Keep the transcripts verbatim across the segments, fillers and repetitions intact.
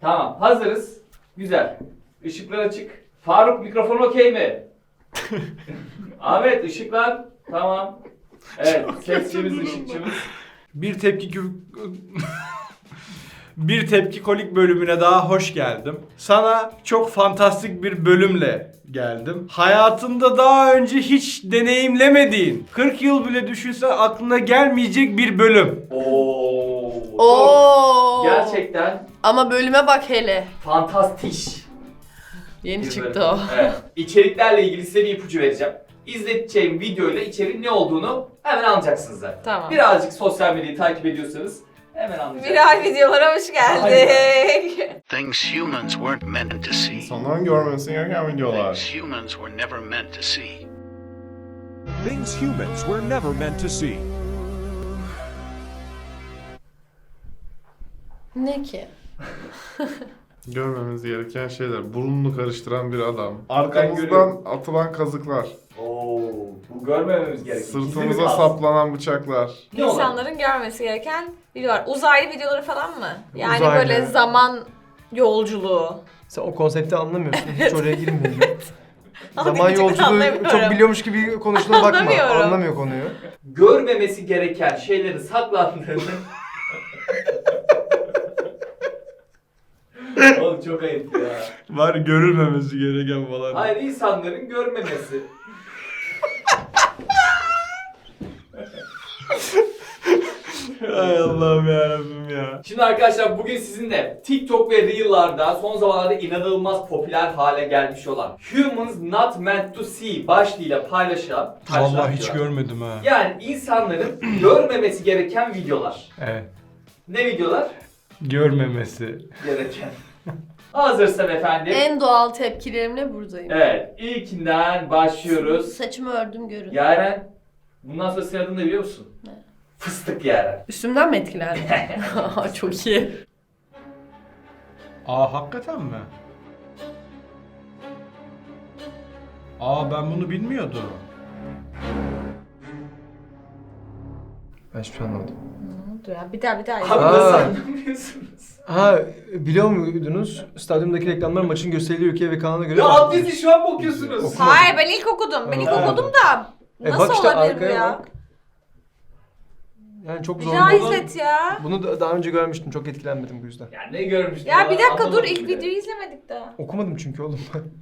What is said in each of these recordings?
Tamam, hazırız. Güzel. Işıklar açık. Faruk, mikrofon okey mi? Ahmet, ışıklar. Tamam. Evet, sesçimiz, ışıkçımız. Bir tepki kü... Bir tepki kolik bölümüne daha hoş geldim. Sana çok fantastik bir bölümle geldim. Hayatında daha önce hiç deneyimlemediğin, kırk yıl bile düşünsen aklına gelmeyecek bir bölüm. Oo. çok Oo. Gerçekten Ama bölüme bak hele. fantastik. Yeni bir çıktı bölüm. o. Evet. İçeriklerle ilgili size bir ipucu vereceğim. İzleteceğim videoyla içeriğin ne olduğunu hemen anlayacaksınız zaten. Tamam. Birazcık sosyal medyayı takip ediyorsanız hemen anlayacaksınız. Viral videolara hoş geldik. Things humans weren't meant to see. İnsanların görmesi gereken videolar. Things humans were never meant to see. Things humans were never meant to see. Ne ki? Görmemiz gereken şeyler. Burnunu karıştıran bir adam. Ben Arkamızdan görüyorum. atılan kazıklar. Oo, bu görmememiz gerekiyor. Gizli mi Sırtımıza kalsın? saplanan bıçaklar. Ne olay? İnsanların görmesi gereken videolar. Uzaylı videoları falan mı? Yani Uzaylı. böyle zaman yolculuğu. Sen o konsepti anlamıyorsun. Hiç oraya girmeyin. Zaman Gerçekten yolculuğu anlamıyorum. çok biliyormuş gibi konuştuğuna bakma. Anlamıyorum. Anlamıyor konuyu. Görmemesi gereken şeylerin saklandığını... Oğlum çok ayıp ya. Var görülmemesi gereken falan. Hayır, insanların görmemesi. Ay Allah'ım yarabbim ya. Şimdi arkadaşlar bugün sizinle TikTok ve Reel'larda son zamanlarda inanılmaz popüler hale gelmiş olan Humans Not Meant to See başlığıyla paylaşılan Vallahi hiç videolar. görmedim ha. Yani insanların görmemesi gereken videolar. Evet. Ne videolar? Görmemesi. Gereken. Hazırsan efendim. En doğal tepkilerimle buradayım. Evet, ilkinden başlıyoruz. Saçımı ördüm görün. Yaren, bundan sonra senin adını da biliyor musun? Ne? Fıstık Yaren. Üstümden mi etkilendin? Çok iyi. Aa hakikaten mi? Aa ben bunu bilmiyordum. Ben hiçbir şey anlamadım. Ne oldu ya? Bir daha bir daha. Abi izle. nasıl Aa. anlamıyorsunuz? Ha biliyor muydunuz? Stadyumdaki reklamlar maçın gösterildiği ülkeye ve kanala göre... Ya alt dizi şu an mı okuyorsunuz? Oku- Hayır ben ilk okudum. Ben ilk Ha. okudum da. E Nasıl bak işte olabilir bu arkaya ya? bak. Yani çok Bir zor. daha Bunu- izlet ya. Bunu da daha önce görmüştüm. Çok etkilenmedim bu yüzden. Ya ne görmüştün? Ya bir dakika dur Anlamadım ilk bile. videoyu izlemedik daha. Okumadım çünkü oğlum.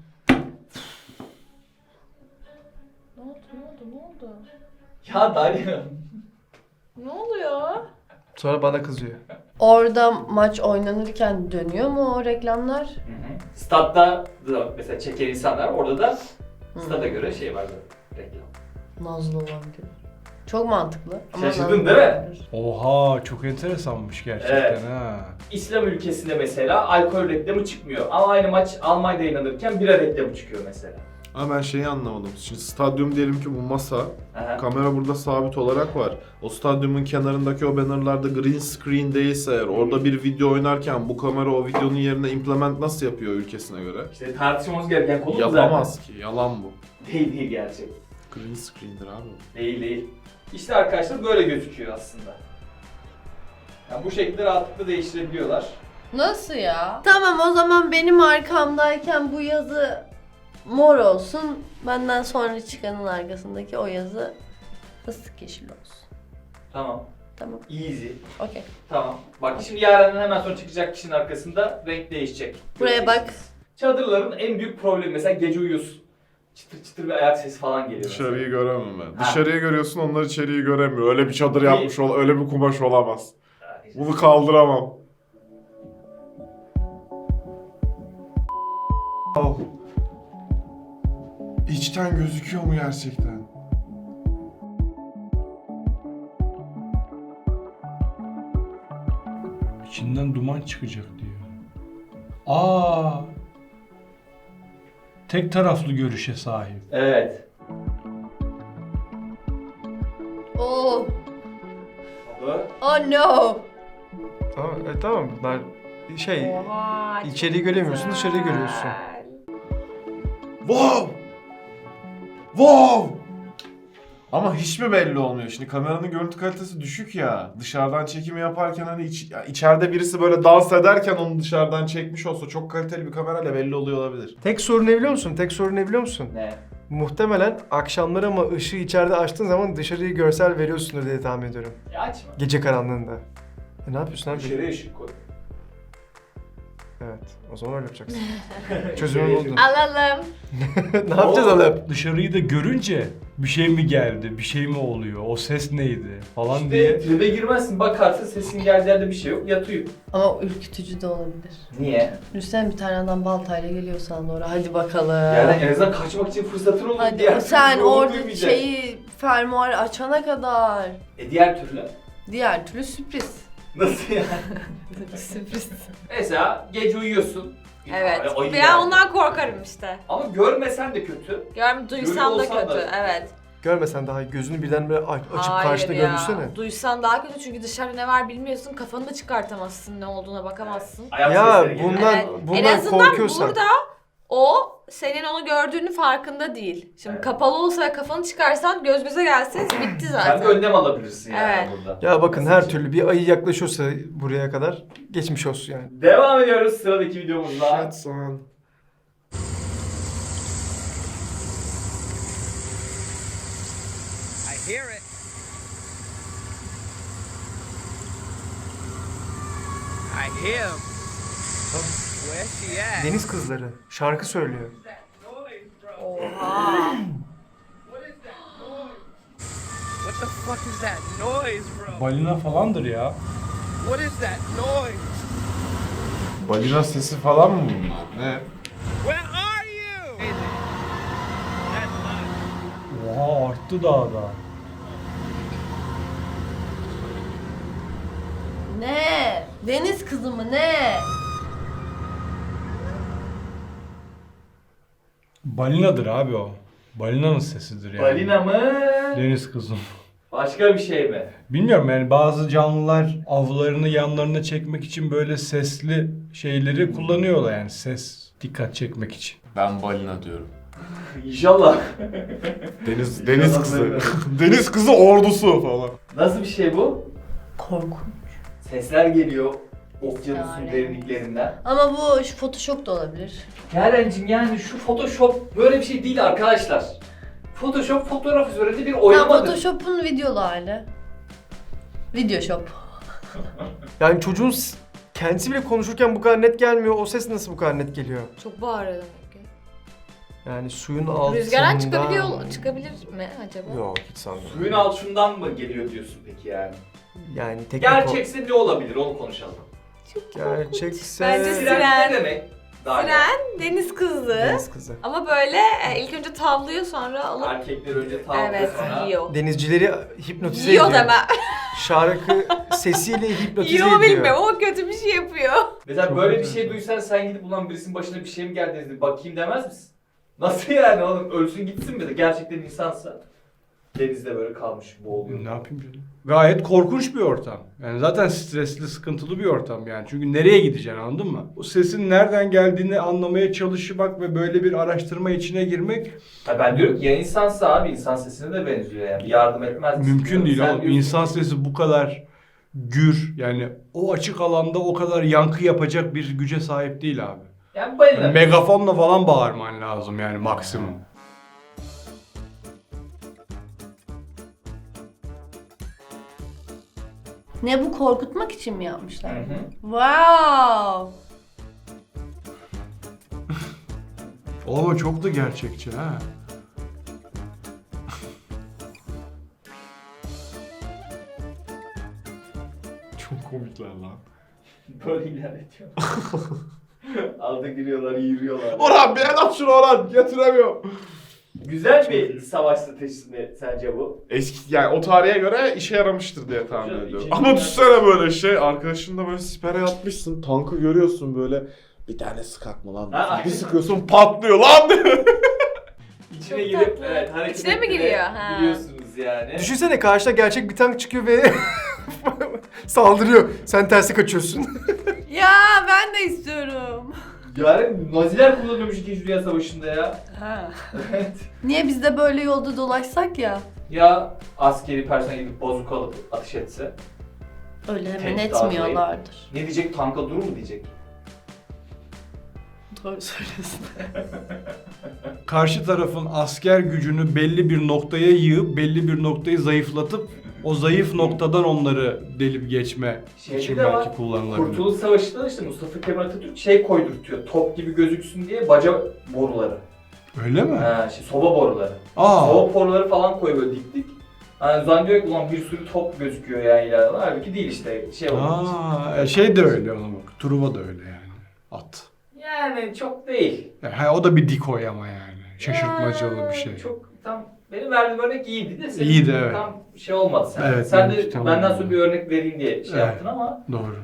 Ne oldu ne oldu ne oldu? Ya Darya. Ne oluyor? Sonra bana kızıyor. Orada maç oynanırken dönüyor mu o reklamlar? Statta da mesela çeken insanlar orada da stada göre şey vardı. Reklam. Nazlı olan gibi. Çok mantıklı. Ama Şaşırdın nazlı değil mi? olabilir. Oha çok enteresanmış gerçekten Evet. ha. İslam ülkesinde mesela alkol reklamı çıkmıyor. Ama aynı maç Almanya'da yayınlanırken bira reklamı çıkıyor mesela. Ama ben şeyi anlamadım. Şimdi stadyum diyelim ki bu masa. Aha. Kamera burada sabit olarak var. O stadyumun kenarındaki o bannerlarda green screen değilse eğer orada bir video oynarken bu kamera o videonun yerine implement nasıl yapıyor ülkesine göre? İşte tartışmamız gereken konu bu zaten. Yapamaz ki. Yalan bu. Değil değil gerçek. Green screen'dir abi. Değil değil. İşte arkadaşlar böyle gözüküyor aslında. Yani bu şekilde rahatlıkla değiştirebiliyorlar. Nasıl ya? Tamam o zaman benim arkamdayken bu yazı mor olsun. Benden sonra çıkanın arkasındaki o yazı fıstık yeşil olsun. Tamam. Tamam. Easy. Okey. Tamam. Bak şimdi Yaren'den hemen sonra çıkacak kişinin arkasında renk değişecek. Buraya bak. Göreceksiniz. Çadırların en büyük problemi mesela gece uyuyorsun. Çıtır çıtır bir ayak sesi falan geliyor. Dışarıyı göremem ben. Ha. Dışarıyı görüyorsun, onlar içeriği göremiyor. Öyle bir çadır İyi. yapmış ol, öyle bir kumaş olamaz. mesela. Bunu kaldıramam. Oh. İçten gözüküyor mu gerçekten? İçinden duman çıkacak diyor. Aa. Tek taraflı görüşe sahip. Evet. Oh. Oldu. Oh no. Tamam, e, tamam. Bunlar şey, Oha. çok içeriği göremiyorsun, güzel. dışarıyı görüyorsun. Wow! Wow! Ama hiç mi belli olmuyor? Şimdi kameranın görüntü kalitesi düşük ya. Dışarıdan çekimi yaparken hani iç, ya içeride birisi böyle dans ederken onu dışarıdan çekmiş olsa çok kaliteli bir kamerayla belli oluyor olabilir. Tek sorun ne biliyor musun? Tek sorun ne biliyor musun? Ne? Muhtemelen akşamları ama ışığı içeride açtığın zaman dışarıyı görsel veriyorsundur diye tahmin ediyorum. Ya açma. Gece karanlığında. E ne yapıyorsun abi? Dışarıya ışık koy. Evet. O zaman öyle yapacaksın. Çözümü buldun. Alalım. Ne yapacağız alıp? Dışarıyı da görünce bir şey mi geldi, bir şey mi oluyor, o ses neydi falan İşte diye. tribe girmezsin, bakarsın sesin geldiği yerde bir şey yok, yatıyor. Ama ürkütücü de olabilir. Niye? Düşünsene bir tane adam baltayla geliyor sana doğru. Hadi bakalım. Yani en azından kaçmak için fırsatın olur. Hadi Diğer sen türlü yolu orada duymayacak. şeyi fermuar açana kadar. E diğer türlü? Diğer türlü sürpriz. Nasıl yani? Sürpriz. Mesela gece uyuyorsun. Bir Evet. tane ayı Ben geldi. ondan korkarım işte. Ama görmesen de kötü. Görm duysam da olsan kötü. da- Evet. Görmesen daha iyi. Gözünü birdenbire aç- açıp Hayır karşında ya. görmüşsene. Duysan daha kötü çünkü dışarıda ne var bilmiyorsun. Kafanı da çıkartamazsın, ne olduğuna bakamazsın. Ayak Ya sesleri geliyor. bundan Evet. En bundan azından korkuyorsan. burada o senin onu gördüğünü farkında değil. Şimdi Evet. kapalı olsa ve kafanı çıkarsan göz göze gelseniz bitti Sen de zaten. önlem alabilirsin yani Evet. burada. Ya bakın her türlü bir ayı yaklaşıyorsa buraya kadar geçmiş olsun yani. Devam ediyoruz sıradaki videomuzla. That's on. I hear it. I hear him. Where's she at? Deniz kızları şarkı söylüyor. Oha. What the fuck is that noise, bro? Balina falandır ya. What is that noise? Balina sesi falan mı? Ne? Where are you? That's Oha arttı daha da. Ne? Deniz kızı mı ne? Balinadır abi o. Balinanın sesidir yani. Balina mı? Deniz kızım. Başka bir şey mi? Bilmiyorum yani bazı canlılar avlarını yanlarına çekmek için böyle sesli şeyleri kullanıyorlar yani ses dikkat çekmek için. Ben balina diyorum. İnşallah. Deniz deniz kızı. Deniz kızı ordusu falan. Nasıl bir şey bu? Korkunç. Sesler geliyor okyanusun Yani. derinliklerinden. Ama bu şu Photoshop da olabilir. Yarencim yani şu Photoshop böyle bir şey değil arkadaşlar. Photoshop fotoğraf üzerinde bir oynamadır. Tam Photoshop'un videolu hali. Videoshop. Yani çocuğun s- kendisi bile konuşurken bu kadar net gelmiyor. O ses nasıl bu kadar net geliyor? Çok bağırıyor demek ki. Yani suyun altında... Rüzgardan çıkabiliyor, çıkabilir mi acaba? Yok hiç sanmıyorum. Suyun altından mı geliyor diyorsun peki yani? Yani teknik Gerçekse ne olabilir onu konuşalım. o- Gerçekse... Bence Siren, Siren. ne demek? Daha Siren deniz kızı. Deniz kızı. Ama böyle e, ilk önce tavlıyor sonra alıp Erkekler önce tavlıyor evet sonra. yiyor. Denizcileri hipnotize Yiyor ediyor. deme. Şarkı sesiyle hipnotize Yiyor mu ediyor. bilmiyorum ama kötü bir şey yapıyor. Mesela Çok böyle bir enteresan. şey duysan sen gidip ulan birisinin başına bir şey mi geldi dedi bakayım demez misin? Nasıl yani oğlum ölsün gitsin mi de gerçekten insansa denizde böyle kalmış boğuluyor. Ne yapayım canım? Gayet korkunç bir ortam. Yani zaten stresli, sıkıntılı bir ortam yani. Çünkü nereye gideceksin anladın mı? O sesin nereden geldiğini anlamaya çalışmak ve böyle bir araştırma içine girmek Ha ben diyorum ki ya insansa abi insan sesine de benziyor yani yardım etmez misin? mümkün diyorum. değil Sen oğlum. diyorsun İnsan ki- sesi bu kadar gür yani o açık alanda o kadar yankı yapacak bir güce sahip değil abi. Yani balina. Yani megafonla falan bağırman lazım yani maksimum. Ne bu korkutmak için mi yapmışlar? Hı hı. Wow. Ama çok da gerçekçi ha. Çok komikler lan. Böyle ilerletiyor. Aldı giriyorlar, yürüyorlar. Orhan bir el at şunu Orhan. Getiremiyorum. Güzel bir savaş stratejisi mi sence bu? Eski yani o tarihe göre işe yaramıştır diye tahmin Hocam, ediyorum. ikinci Ama dünya- düşünsene böyle şey arkadaşınla böyle sipere yatmışsın tankı görüyorsun böyle bir tane sıkak mı lan? Ha, diyorsun. aynen. Bir sıkıyorsun patlıyor lan diyor. İçine Çok girip tatlı. evet hareket İçine mi ettiğini giriyor? Ha. Biliyorsunuz yani. Düşünsene karşına gerçek bir tank çıkıyor ve saldırıyor. Sen tersi kaçıyorsun. Ya ben de istiyorum. Yani Naziler kullanıyormuş ikinci Dünya Savaşı'nda ya. Ha. Evet. Niye biz de böyle yolda dolaşsak ya? Ya askeri personel gidip bazuka alıp ateş etse? Öyle hemen Tek etmiyorlardır. Ne diyecek? Tanka durur mu diyecek? Doğru söylüyorsun. Karşı tarafın asker gücünü belli bir noktaya yığıp belli bir noktayı zayıflatıp o zayıf noktadan onları delip geçme Şeyde için de belki var. kullanılabilir. Kurtuluş Savaşı'nda da işte Mustafa Kemal Atatürk şey koydurtuyor. Top gibi gözüksün diye baca boruları. Öyle mi? Ha, şey, soba boruları. Aa. Soba boruları falan koyuyor böyle dik dik. Hani zannediyor ki ulan bir sürü top gözüküyor yani ileride. Halbuki değil işte şey olduğu için. Aa, e, şey de öyle ona bak. Truva da öyle yani. At. Yani çok değil. E, ha, o da bir dikoy ama yani. Şaşırtmacalı bir şey. Çok tam benim verdiğim örnek iyiydi de senin İyiydi, evet. tam şey olmadı sen. Evet, sen de benimki tamam. benden sonra bir örnek vereyim diye şey Evet. yaptın ama. Doğru.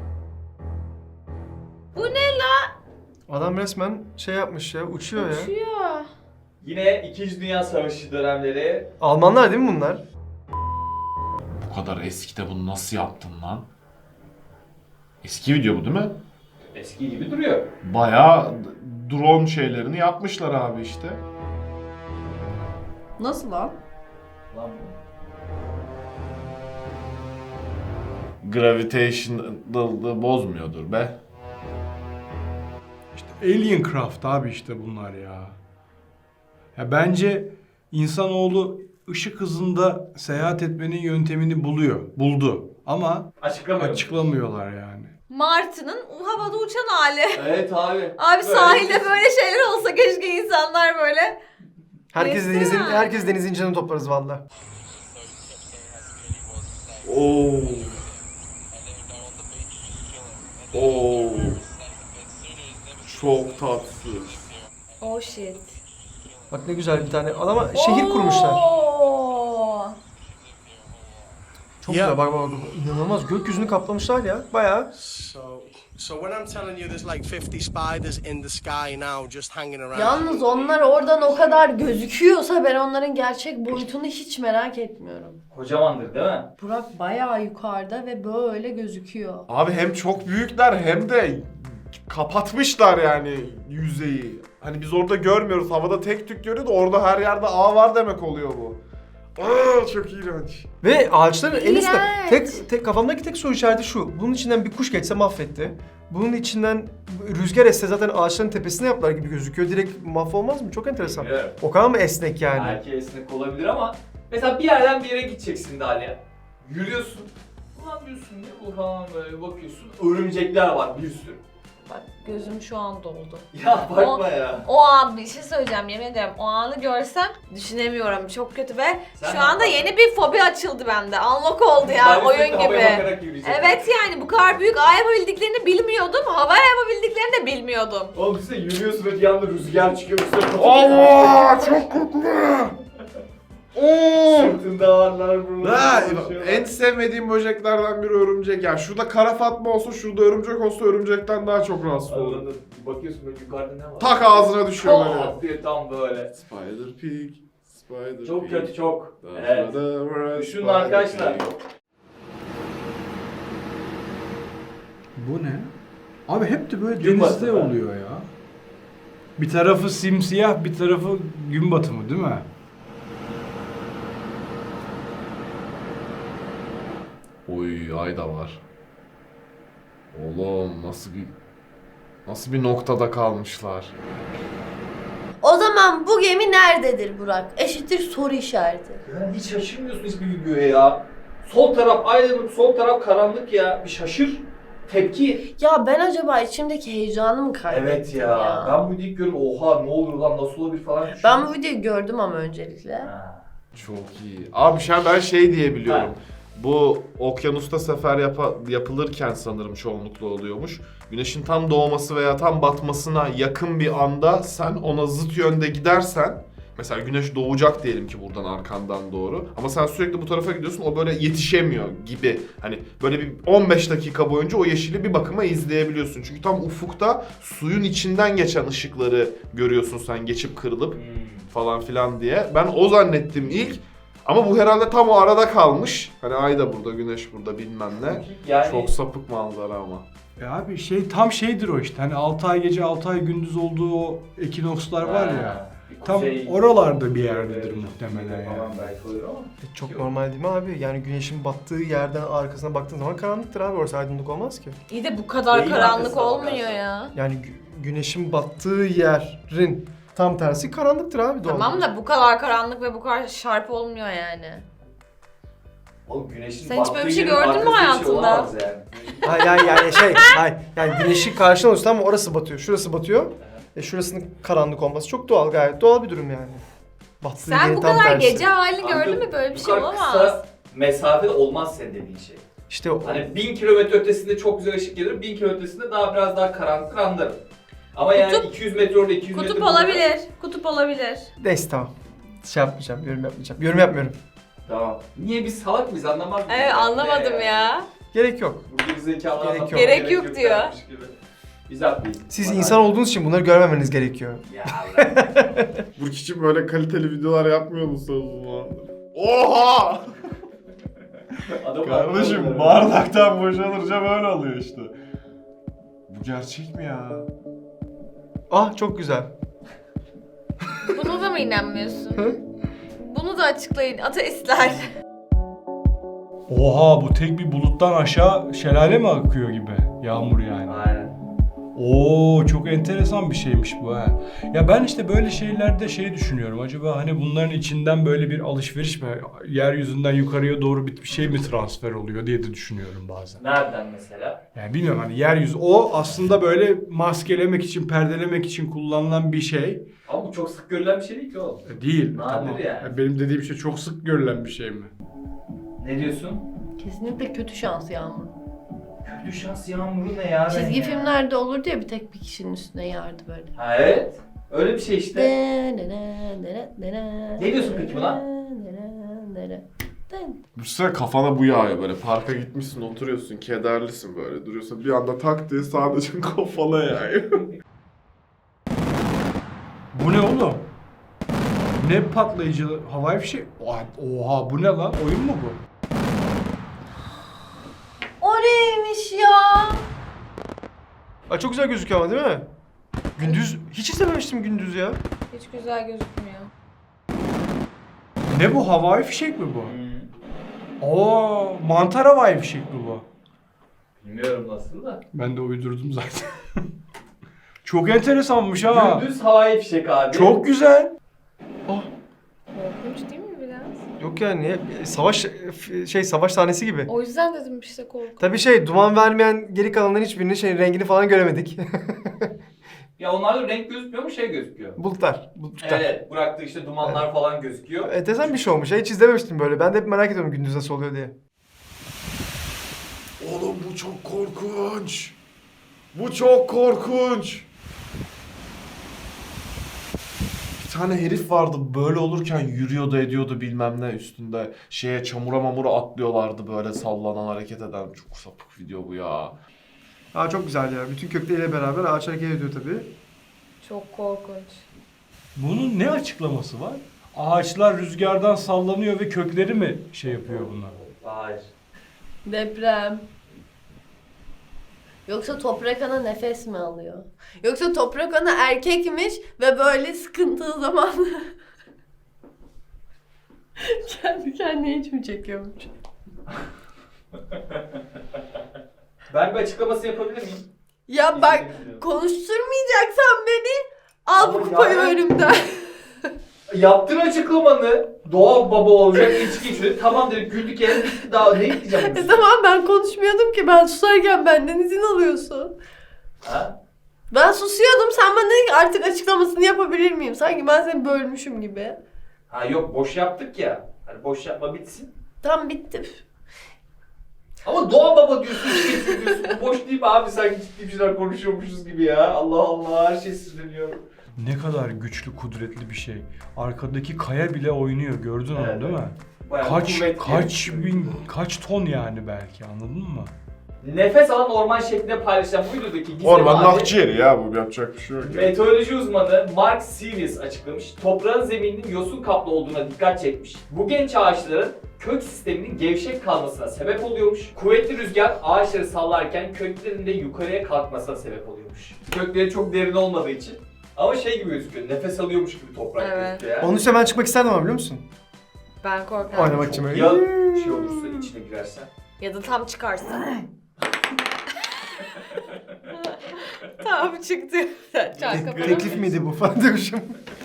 Bu ne la? Adam resmen şey yapmış ya, uçuyor ya. Uçuyor. Yine İkinci Dünya Savaşı dönemleri. Almanlar değil mi bunlar? Bu kadar eskide bunu nasıl yaptın lan? Eski video bu değil mi? Eski gibi duruyor. Bayağı drone şeylerini yapmışlar abi işte. Nasıl lan? Lan Gravitation'ı bozmuyordur be. İşte Alien Craft abi işte bunlar ya. Ya bence insanoğlu ışık hızında seyahat etmenin yöntemini buluyor. Buldu. Ama açıklamıyorum. açıklamıyorlar yani. Martı'nın havada uçan hali. Evet abi. Abi Böyle sahilde bir- böyle şeyler olsa keşke insanlar böyle. Herkes Neyse denizin, yani. herkes denizin canını toplarız valla. Oo. Oo. Çok tatsız. Oh shit. Bak ne güzel bir tane adama şehir kurmuşlar. Oo. Çok Ya. güzel bak bak bak. İnanılmaz gökyüzünü kaplamışlar ya bayağı. So, so when I'm telling you there's like fifty spiders in the sky now just hanging around. Yalnız onlar oradan o kadar gözüküyorsa ben onların gerçek boyutunu hiç merak etmiyorum. Kocamandır değil mi? Burak bayağı yukarıda ve böyle gözüküyor. Abi hem çok büyükler hem de kapatmışlar yani yüzeyi. Hani biz orada görmüyoruz. Havada tek tük görüyoruz. Orada her yerde ağ var demek oluyor bu. Aa çok iğrenç. Ve ağaçların en üstte. İğrenç. Tek, tek kafamdaki tek soru işareti şu. Bunun içinden bir kuş geçse mahvetti. Bunun içinden rüzgar esse zaten ağaçların tepesine yaplar gibi gözüküyor. Direkt mahvolmaz mı? Çok enteresan. Bilmiyorum. O kadar mı esnek yani? Belki esnek olabilir ama mesela bir yerden bir yere gideceksin Dalia. Yürüyorsun. Ulan diyorsun ne bu falan böyle bakıyorsun. Örümcekler var bir sürü. Bak gözüm şu an doldu. Ya bakma ya. O an bir şey söyleyeceğim yemin ederim. O anı görsem düşünemiyorum. Çok kötü ve Sen şu ne anda yaparsın? yeni bir fobi açıldı bende. Unlock oldu ya Ben oyun sürekli havaya gibi. bakarak yürüyeceğim. Evet yani bu kadar büyük ağ yapabildiklerini bilmiyordum. Hava yapabildiklerini de bilmiyordum. Oğlum işte yürüyorsun ve bir anda rüzgar çıkıyor. Üstüne Allah çok koklu. Oo. Sırtında ağırlar Ha, buralar. en sevmediğim böceklerden biri örümcek. Yani şurada kara fatma olsa, şurada örümcek olsa örümcekten daha çok rahatsız olurum. Anladın. Bakıyorsun böyle yukarıda ne var? Tak ağzına düşüyor böyle. Pat diye tam böyle. Spider Pig, Spider Çok Pig. kötü çok. Da- Evet. da- da- Düşünün Spider arkadaşlar. Pig. Bu ne? Abi hep de böyle Gün denizde batımı. oluyor ya. Bir tarafı simsiyah, bir tarafı gün batımı değil mi? Oy ay da var. Oğlum nasıl bir nasıl bir noktada kalmışlar. O zaman bu gemi nerededir Burak? Eşittir soru işareti. Yani hiç şaşırmıyorsun hiçbir videoya ya. Sol taraf aydınlık, sol taraf karanlık ya. Bir şaşır. Tepki. Ya ben acaba içimdeki heyecanı mı kaybettim Evet ya. Ben bu videoyu görüp oha ne olur lan nasıl olabilir falan düşünüyorum. Ben bu videoyu gördüm ama öncelikle. Ha. Çok iyi. Abi şu an ben şey diye biliyorum. Ha. Bu okyanusta sefer yapa- yapılırken sanırım çoğunlukla oluyormuş. Güneşin tam doğması veya tam batmasına yakın bir anda sen ona zıt yönde gidersen, mesela güneş doğacak diyelim ki buradan arkandan doğru, ama sen sürekli bu tarafa gidiyorsun, o böyle yetişemiyor gibi. Hani böyle bir on beş dakika boyunca o yeşili bir bakıma izleyebiliyorsun. Çünkü tam ufukta suyun içinden geçen ışıkları görüyorsun sen geçip kırılıp Hmm. falan filan diye. Ben o zannettim ilk. Ama bu herhalde tam o arada kalmış. Hani ay da burada, güneş burada bilmem ne. Yani Çok sapık manzara ama. Ya abi şey tam şeydir o işte. Hani altı ay gece altı ay gündüz olduğu o ekinokslar var ya. Bir tam Kuzey- oralarda bir yerdedir muhtemelen yani. Falan belki olur ama. E, çok normal değil mi abi? Yani güneşin battığı yerden arkasına baktığın zaman karanlıktır abi. Orası aydınlık olmaz ki. İyi de bu kadar Neyin karanlık arkasına olmuyor bakarsın? ya. Yani gü- güneşin battığı yerin tam tersi karanlıktır abi doğal. Tamam da bu kadar karanlık ve bu kadar şarp olmuyor yani. Oğlum güneşin Sen hiç böyle battığı bir şey yerin gördün mü arkası bir şey hayatında? olamaz yani. Hayır yani, yani şey, hayır. Yani güneşi karşına alıyorsun tamam mı? Orası batıyor, şurası batıyor. E şurasının karanlık olması çok doğal, gayet doğal bir durum yani. Battığı Sen yerin bu tam kadar tersi. gece halini Kanka, gördün mü? Böyle bir bu şey kadar olamaz. Kısa mesafede olmaz senin dediğin şey. İşte o, Hani bin kilometre ötesinde çok güzel ışık gelir, bin kilometre ötesinde daha biraz daha karanlık anlarım. Ama yani Kutup- iki yüz metre orada, iki yüz metre Kutup burada- olabilir. Kutup olabilir. neyse tamam. Şey yapmayacağım, yorum yapmayacağım. Yorum yapmıyorum. Tamam. Niye biz salak mıyız anlamaz mıyız? Evet anlamadım Ne ya. Gerek yok. Bu gerizekalı Gerek anlatmaya yok. Gerek yok diyor. dermiş gibi. Biz haklıyız. Siz Bana- insan olduğunuz için bunları görmemeniz gerekiyor. Ya Allah. Bu kişi böyle kaliteli videolar yapmıyor mu zamandır? Oha! Adam Kardeşim haklı. bardaktan boşalınca böyle oluyor işte. Bu gerçek mi ya? Ah çok güzel. Buna da mı inanmıyorsun? Bunu da açıklayın ateistler. Oha bu tek bir buluttan aşağı şelale mi akıyor gibi? Yağmur yani. Aynen. Oo çok enteresan bir şeymiş bu ha. Ya ben işte böyle şeylerde şey düşünüyorum. Acaba hani bunların içinden böyle bir alışveriş mi, yeryüzünden yukarıya doğru bir şey mi transfer oluyor diye de düşünüyorum bazen. Nereden mesela? Yani bilmiyorum hani yeryüzü o aslında böyle maskelemek için, perdelemek için kullanılan bir şey. Ama bu çok sık görülen bir şey değil ki oğlum. E, Değil. Nadir Tamam. yani. Ya benim dediğim şey çok sık görülen bir şey mi? Ne diyorsun? Kesinlikle kötü şans Yağmur. Kötü şans yağmuru ne ya? Çizgi ya? filmlerde olurdu ya bir tek bir kişinin üstüne yağardı böyle. Ha evet. Öyle bir şey işte. Ne Ne diyorsun peki buna? Düşünsene kafana bu yağıyor böyle. Parka gitmişsin, oturuyorsun, kederlisin böyle. Duruyorsun bir anda tak diye sadece kafana yağıyor. Bu ne oğlum? Ne patlayıcı havai fişek? Oha, oha bu ne lan? Oyun mu bu? O neymiş ya? Ay çok güzel gözüküyor ama değil mi? Gündüz hiç izlememiştim gündüz ya. Hiç güzel gözükmüyor. Ne bu havai fişek mi bu? Hmm. Oo mantar havai fişek mi bu? Bilmiyorum nasıl da. Ben de uydurdum zaten. Çok enteresanmış ha. Gündüz havai fişek abi. Çok güzel. Korkunç değil mi biraz? Yok yani savaş şey savaş sahnesi gibi. O yüzden dedim işte korkunç. Tabii şey duman vermeyen geri kalanların hiçbirinin şey rengini falan göremedik. Ya onlarda renk gözükmüyor mu şey gözüküyor. Bulutlar. Bulutlar. Evet, bıraktığı işte dumanlar falan gözüküyor. Enteresan bir şey olmuş. Hiç izlememiştim böyle. Ben de hep merak ediyorum gündüz nasıl oluyor diye. Oğlum bu çok korkunç. Bu çok korkunç. Bir tane herif vardı böyle olurken yürüyordu ediyordu bilmem ne üstünde. Şeye çamura mamura atlıyorlardı böyle sallanan hareket eden. Çok sapık video bu ya. Aa çok güzel ya. Bütün kökleriyle beraber ağaç hareket ediyor tabii. Çok korkunç. Bunun ne açıklaması var? Ağaçlar rüzgardan sallanıyor ve kökleri mi şey yapıyor bunlar? Hayır. Deprem. Yoksa toprak ana nefes mi alıyor? Yoksa toprak ana erkekmiş ve böyle sıkıntılı zaman kendi kendine hiç mi çekiyormuş? Ben bir açıklaması yapabilir miyim? Ya bak İzledim. konuşturmayacaksan beni al bu Ama kupayı yani- önümden. Yaptın açıklamanı. Doğa baba olacak içki içiyor. Tamam dedik güldük yere bitti daha ne diyeceğim? E tamam ben konuşmuyordum ki ben susarken benden izin alıyorsun. Ha? Ben susuyordum sen bana dedin ki artık açıklamasını yapabilir miyim? Sanki ben seni bölmüşüm gibi. Ha yok boş yaptık ya. Hani boş yapma bitsin. Tam bitti. Ama doğa baba diyorsun, içki içiyor diyorsun. Bu boş değil mi abi? Sanki ciddi bir şeyler konuşuyormuşuz gibi ya. Allah Allah her şey sinirleniyor. Ne kadar güçlü, kudretli bir şey. Arkadaki kaya bile oynuyor. Gördün Evet. onu değil mi? Bayağı Kaç kuvvetli. kaç bin, kaç ton yani belki anladın mı? Nefes alan orman şeklinde paylaşılan bu videodaki gizem Ormanın abi, akciğeri ya bu yapacak bir şey yok. ya. meteoroloji uzmanı Mark Series açıklamış. Toprağın zemininin yosun kaplı olduğuna dikkat çekmiş. Bu genç ağaçların kök sisteminin gevşek kalmasına sebep oluyormuş. Kuvvetli rüzgar ağaçları sallarken köklerinin de yukarıya kalkmasına sebep oluyormuş. Kökleri çok derin olmadığı için Ama şey gibi gözüküyor, nefes alıyormuş gibi toprak Evet. gözüküyor ya. Onun üstüne ben çıkmak isterdim ama biliyor musun? Ben korkarım. Oynamak için böyle. Ya şey olursa içine girersen. Ya da tam çıkarsa. Tam çıktı. Çarkı Teklif miydi bu falan demişim.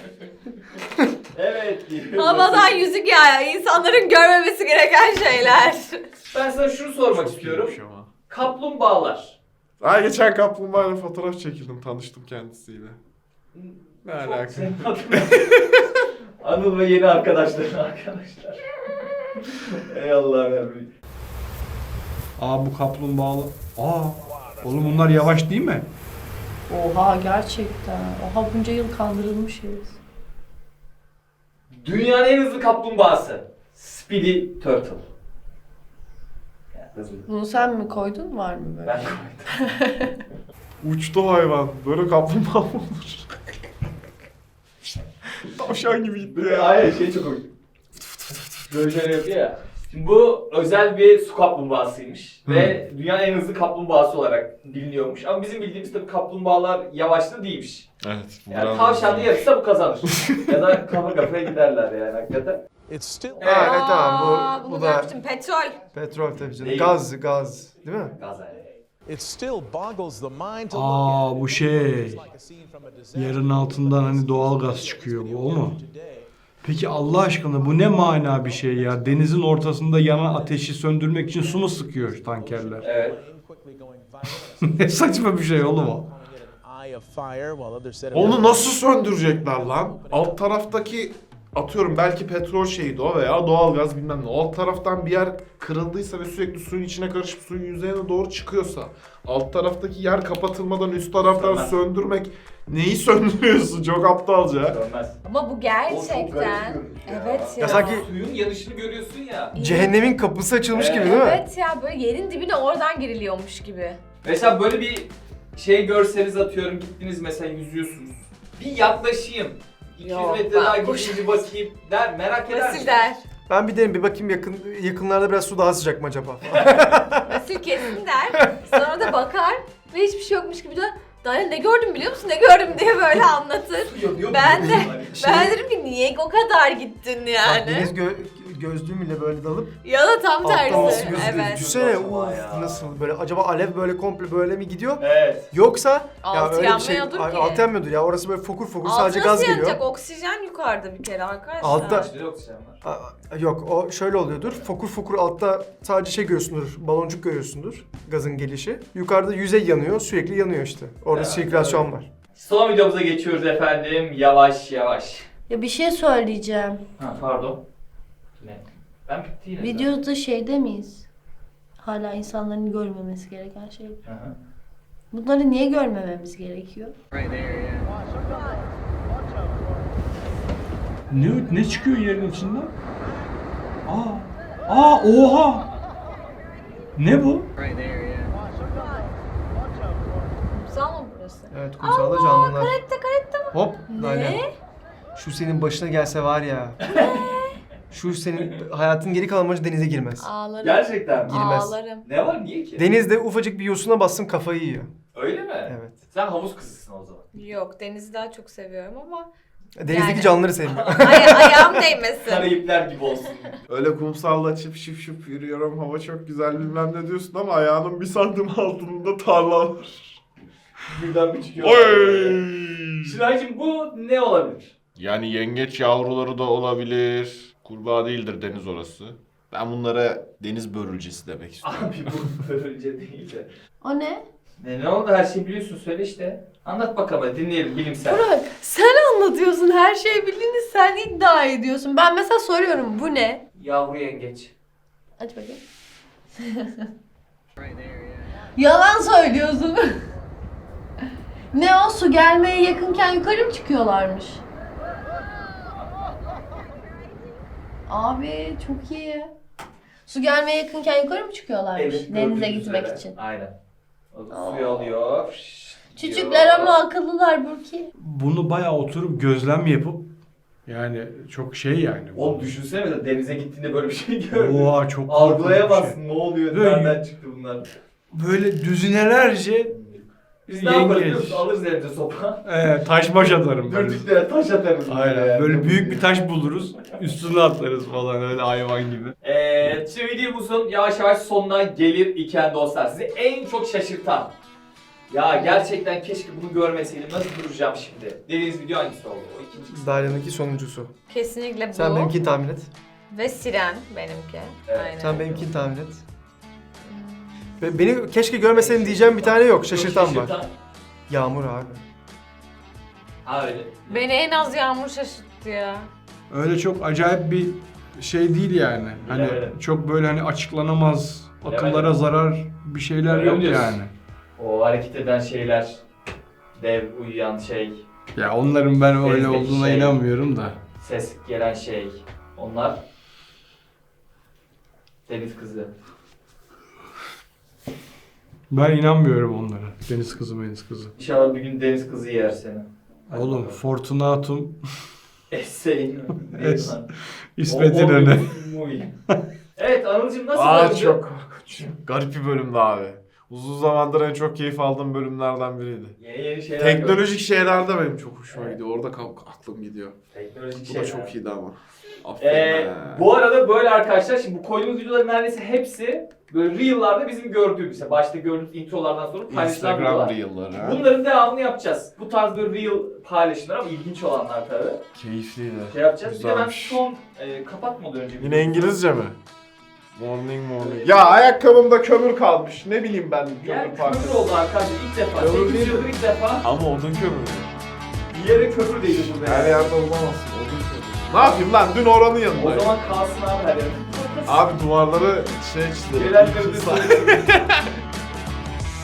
Evet. Havadan yüzük ya. İnsanların görmemesi gereken şeyler. Ben sana şunu sormak Çok istiyorum. iyiymiş ama. Kaplumbağalar. Ay geçen kaplumbağayla fotoğraf çekildim, tanıştım kendisiyle. Ne Çok alaka? senin adına. Anıl ve yeni arkadaşların arkadaşlar. Ey Allah'ım ya. Aa bu kaplumbağalı. Aa oğlum bunlar yavaş değil mi? Oha gerçekten. Oha bunca yıl kandırılmışız. Dünyanın en hızlı kaplumbağası. Speedy Turtle. Yani hızlı. Bunu sen mi koydun, var mı böyle? Ben koydum. Uçtu hayvan. Böyle kaplumbağa mı olur? Tavşan gibi gitti ya. Hayır şey çok komik. Böyle şöyle yapıyor ya. Şimdi bu özel bir su kaplumbağasıymış ve dünyanın en hızlı kaplumbağası olarak biliniyormuş. Ama bizim bildiğimiz tabii kaplumbağalar yavaşlı değilmiş. Evet. bu Yani biraz- tavşanlı yarışsa bu kazanır. Ya da kafa kafaya giderler yani hakikaten. It's still Evet. Ha, evet tamam Aa, bu, bunu bu da görmüştüm. Petrol. petrol tabii canım. Değil. Gaz, gaz. Değil mi? Gazayla. it still boggles the mind to Aa look at. bu şey. Yerin altından hani doğal gaz çıkıyor, bu o mu? Peki Allah aşkına bu ne mana bir şey ya? Denizin ortasında yanan ateşi söndürmek için su mu sıkıyor tankerler? Evet. Ne saçma bir şey oğlum o. Onu nasıl söndürecekler lan? Alt taraftaki atıyorum belki petrol şeyiydi o veya doğalgaz bilmem ne. O alt taraftan bir yer kırıldıysa ve sürekli suyun içine karışıp suyun yüzeyine doğru çıkıyorsa alt taraftaki yer kapatılmadan üst taraftan Sönmez. söndürmek neyi söndürüyorsun? Çok aptalca. Dönmez. Ama bu O çok gerçekten. garip bir görüntü ya. Evet ya. Ya sanki Suyun yanışını görüyorsun ya. cehennemin kapısı açılmış gibi değil mi? Evet ya, böyle yerin dibine oradan giriliyormuş gibi. Mesela böyle bir şey görseniz atıyorum gittiniz mesela yüzüyorsunuz. Bir yaklaşayım. iki yüz Yok, metre daha ben koş- gidince bakayım der merak eder Vasil misin? der. Ben bir derim bir bakayım yakın yakınlarda biraz su daha sıcak mı acaba? Vasil kesin der. Sonra da bakar ve hiçbir şey yokmuş gibi de Daniel ne gördüm biliyor musun, ne gördüm diye böyle anlatır. Yanıyor mu? Ben de- Hani Ben derim ki niye o kadar gittin Bak, yani? deniz gö gözlüğümle böyle dalıp Ya da tam alttan nasıl tersi. gözüküyor? Evet. Düşünsene Acaba uf ya. nasıl böyle acaba alev böyle komple böyle mi gidiyor? Evet. Yoksa Altı öyle bir şey yanmıyordur Ay, ki. altı yanmıyordur ya orası böyle fokur fokur Altı sadece nasıl gaz geliyor. yanacak? Oksijen yukarıda bir kere arkadaşlar. Altta- İçinde oksijen var. Aa, yok o şöyle oluyordur. Fokur fokur altta sadece şey görüyorsundur. Baloncuk görüyorsundur. Gazın gelişi. Yukarıda yüzey yanıyor. Sürekli yanıyor işte. Orada Ya, sirkülasyon evet. var. Son videomuza geçiyoruz efendim. Yavaş yavaş. Ya bir şey söyleyeceğim. Ha pardon. Ne? Ben bitti yine. Videoda şeyde miyiz? Hala insanların görmemesi gereken şey. Hı hı. Bunları niye görmememiz gerekiyor? Ne ne çıkıyor yerin içinden? Aa. Aa oha. Ne bu? Kumsal mı burası? Evet kumsalda canlılar. Karette karette mi? Hop. Ne? Aynen. Şu senin başına gelse var ya. Şu senin hayatın geri kalan boyunca denize girmez. Ağlarım. Gerçekten mi? Girmez. Ağlarım. Ne var niye ki? Denizde ufacık bir yosuna bassın kafayı yiyor. Öyle mi? Evet. Sen havuz kızısın o zaman. Yok, denizi daha çok seviyorum ama Denizdeki Yani. canlıları sevmiyor. ay ayağım değmesin. Karayipler gibi olsun. Öyle kumsalda çıp şıp şıp yürüyorum, hava çok güzel bilmem ne diyorsun ama ayağının bir santim altında tarla var. Birden bir çıkıyor. Oy! Şiraycığım bu ne olabilir? Yani yengeç yavruları da olabilir. Kurbağa değildir deniz orası. Ben bunlara deniz börülcesi demek istiyorum. Abi bu böylece değil de. O ne? Ne, ne oldu her şeyi biliyorsun söyle işte. Anlat bakalım hadi dinleyelim bilimsel. Burak sen anlatıyorsun, her şeyi bildiğini sen iddia ediyorsun. Ben mesela soruyorum bu ne? Yavru yengeç. Aç bakayım. Yalan söylüyorsun. Ne o, su gelmeye yakınken yukarı mı çıkıyorlarmış? Abi çok iyi. Su gelmeye yakınken yukarı mı çıkıyorlarmış? Evet, Denize gördüğünüz gitmek üzere. için. Aynen. O da Aa. suyu alıyor. fış Küçükler diyor. ama akıllılar Burki. Bunu bayağı oturup gözlem yapıp yani çok şey yani. Oğlum düşünsene mesela denize gittiğinde böyle bir şey gördün. Oha çok korkunç bir Algılayamazsın şey. ne oluyor, Böyle- nereden çıktı bunlar. Böyle düzinelerce Biz ne yaparız biliyor Yengeç. musun? Alırız elimize sopa. Ee, taş baş atarım ben. Dürtüklere taş atarız. Evet, taş baş atarım ben. Dürtüklere taş atarız. Aynen. Böyle büyük bir taş buluruz. Üstüne atlarız falan öyle hayvan gibi. Evet, şimdi videomuzun yavaş yavaş sonuna gelir iken dostlar, sizi en çok şaşırtan, ya gerçekten keşke bunu görmeseydim, nasıl duracağım şimdi dediğiniz video hangisi oldu? O ikinci. Dalya'nınki sonuncusu. Kesinlikle bu. Sen benimkini tahmin et. Ve Siren benimki. Evet. Aynen. Sen benimkini tahmin et. Ve beni keşke görmeseydim diyeceğim bir tane yok. Şaşırtan var. Şaşırtan. Yağmur abi. Ha öyle. Beni en az Yağmur şaşırttı ya. Öyle çok acayip bir şey değil yani. Hani Bilemedim. çok böyle hani açıklanamaz, akıllara Bilemedim. zarar bir şeyler Öyle mi yok diyorsun? yani. O hareket eden şeyler, dev uyuyan şey, Ya onların ben öyle Bezdeki olduğuna şey. inanmıyorum da. ses gelen şey, onlar deniz kızı. Ben inanmıyorum onlara. Deniz kızı, deniz kızı. İnşallah bir gün deniz kızı yer seni. Hadi Oğlum bakalım. Fortunatum, Eseyin. Es- İsmet İnönü. Evet Anılcım nasıl Aa döndü? çok korkunç. Garip bir bölümdü abi. Uzun zamandır en çok keyif aldığım bölümlerden biriydi. Yeni yeni şeyler gördüm. Teknolojik şeyler de benim çok hoşuma Evet. gidiyor. Orada kal- aklım gidiyor. Teknolojik Bu şeyler. da çok iyiydi ama. Aferin Ee, be. bu arada böyle arkadaşlar, şimdi bu koyduğumuz videoların neredeyse hepsi böyle Reel'larda bizim gördüğümüz, işte başta gördüğümüz introlardan sonra paylaşılan Instagram videolar. Reel'ları. ha. Bunların devamını yapacağız. Bu tarz böyle Reel paylaşımlar ama ilginç olanlar tabii. Keyifliydi. Şey yapacağız. Bir de ben Güzelmiş. son e, kapatmadan önce... Yine İngilizce mi? Morning morning. Ya ayakkabımda kömür kalmış. Ne bileyim ben Yer kömür kömür parçası. oldu arkadaşlar ilk defa. Kömür sekiz değil mi? yıldır ilk defa Ama odun kömürü. bir yere kömür değdi burada. Her yani. yerde olamazsın. Odun kömürü. Ne yapayım lan? Dün oranın O yanındayım. zaman kalsın abi her yere. Abi duvarları şey çizelim. Gelenleri de